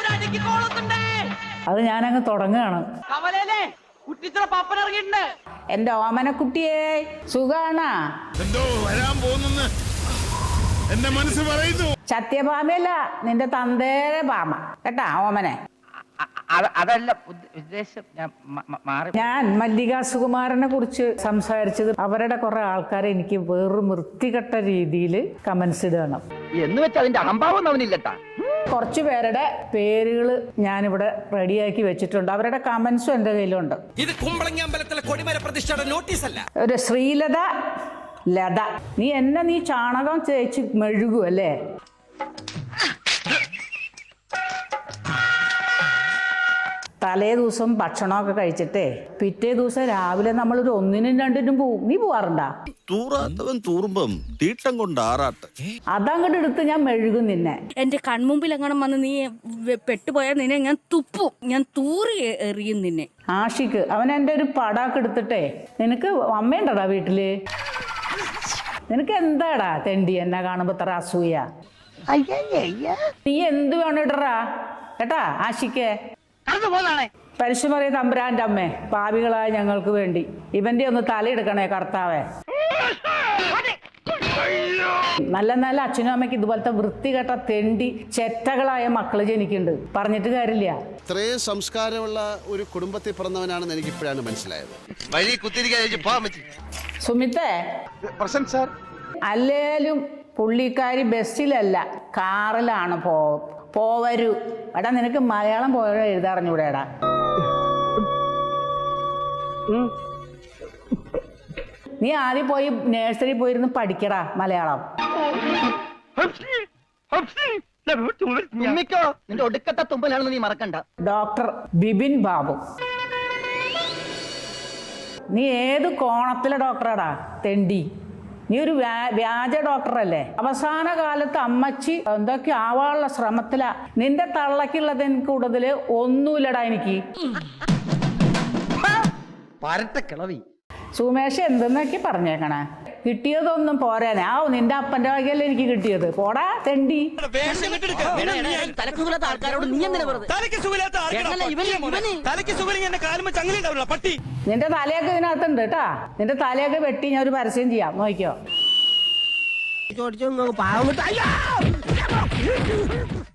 അത് ഞാനങ്ങ് തുടങ്ങുകയാണ്. എന്റെ ഓമനക്കുട്ടിയെ സുഖാണാ? എന്തോ വരാൻ പോകുന്നെന്ന് എന്റെ മനസ്സ് പറയുന്നു. സത്യഭാമയല്ല, നിന്റെ തന്തേരെ ഭാമ കേട്ടാ ഓമനെ. അതല്ല ഉദ്ദേശം, ഞാൻ മല്ലിക സുകുമാരനെ കുറിച്ച് സംസാരിച്ചത് അവരുടെ കുറെ ആൾക്കാരെ എനിക്ക് വേറൊരു വൃത്തികെട്ട രീതിയിൽ കമന്റ്സ് ഇടണം എന്ന് വെച്ച് അതിന്റെ അഹംഭാവം അവനില്ലട്ടാ. കുറച്ചു പേരുടെ പേരുകൾ ഞാനിവിടെ റെഡിയാക്കി വെച്ചിട്ടുണ്ട്. അവരുടെ കമന്റ്സും എന്റെ കയ്യിലുണ്ട്. ഇത് കുമ്പളങ്ങമ്പലത്തിലെ കൊടിമര പ്രതിഷ്ഠയുടെ നോട്ടീസ് അല്ല. ഒരു ശ്രീലത ലത, നീ ചാണകം തേച്ച് മെഴുകും അല്ലേ? തലേ ദിവസം ഭക്ഷണമൊക്കെ കഴിച്ചിട്ടേ പിറ്റേ ദിവസം രാവിലെ നമ്മളൊരു 1-നും 2-നും പോവും. നീ പോവാറുണ്ടാ? തൂറാത്തവൻ തൂറുമ്പം തീട്ടം കൊണ്ട് ആറാട്ട്. അതങ്ങോട്ട് എടുത്ത് ഞാൻ മെഴുകും നിന്നെ. എന്റെ കൺമുമ്പിൽ എങ്ങനെ വന്ന് നീ പെട്ടുപോയാൽ നിന്നെ ഞാൻ തുപ്പും, ഞാൻ തൂറി എറിയും നിന്നെ. ആഷിക്ക് അവൻ എൻ്റെ ഒരു പടാക്ക് എടുത്തിട്ടേ, നിനക്ക് അമ്മയുണ്ടടാ വീട്ടില്? നിനക്ക് എന്താടാ തെണ്ടി എന്നെ കാണുമ്പോ ഇത്ര അസൂയ? നീ എന്ത് വേണം ഇടറാ കേട്ടാ ആഷിക്ക്. പരിശുമറിയ തമ്പുരാന്റെ അമ്മേ, പാപികളായ ഞങ്ങൾക്ക് വേണ്ടി ഇവന്റെ ഒന്ന് തലയെടുക്കണേ കർത്താവേ. നല്ല നല്ല അച്ഛനും അമ്മയ്ക്ക് ഇതുപോലത്തെ വൃത്തികെട്ട തെണ്ടി ചെറ്റകളായ മക്കള് ജനിക്കുന്നുണ്ട്. പറഞ്ഞിട്ട് കാര്യമില്ല. ഇത്രയും സംസ്കാരമുള്ള ഒരു കുടുംബത്തിൽ പിറന്നവനാണെന്ന് എനിക്ക് ഇപ്പോഴാണ് മനസ്സിലായത്. സുമിത്തേ, അല്ലേലും പുള്ളിക്കാരി ബസ്സിലല്ല കാറിലാണ് പോവരൂ. എടാ നിനക്ക് മലയാളം പോയ എഴുതാറിഞ്ഞൂടെടാ? നീ ആദ്യം പോയി നേഴ്സറി പോയിരുന്ന് പഠിക്കടാ മലയാളം. നിന്റെ ഒടുക്കത്തെ തുമ്പലാണെന്ന് നീ മറക്കണ്ട. ഡോക്ടർ ബിപിൻ ബാബു, നീ ഏത് കോണത്തിലെ ഡോക്ടറാടാ തെണ്ടി? നീ ഒരു വ്യാജ ഡോക്ടറല്ലേ? അവസാന കാലത്ത് അമ്മച്ചി എന്തൊക്കെ ആവാനുള്ള ശ്രമത്തിലാ. നിന്റെ തള്ളക്കുള്ളത് എനിക്ക് കൂടുതൽ ഒന്നുമില്ലടാ എനിക്ക്. സുമേഷ് എന്തെന്നൊക്കെ പറഞ്ഞേക്കണേ? കിട്ടിയതൊന്നും പോരാനെ. നിന്റെ അപ്പന്റെ വകയല്ലേ എനിക്ക് കിട്ടിയത്. പോടാ തെണ്ടി. നിന്റെ തലയൊക്കെ ഇതിനകത്തുണ്ട് കേട്ടാ. നിന്റെ തലയൊക്കെ വെട്ടി ഞാൻ ഒരു പരസ്യം ചെയ്യാം, നോക്കിയോ?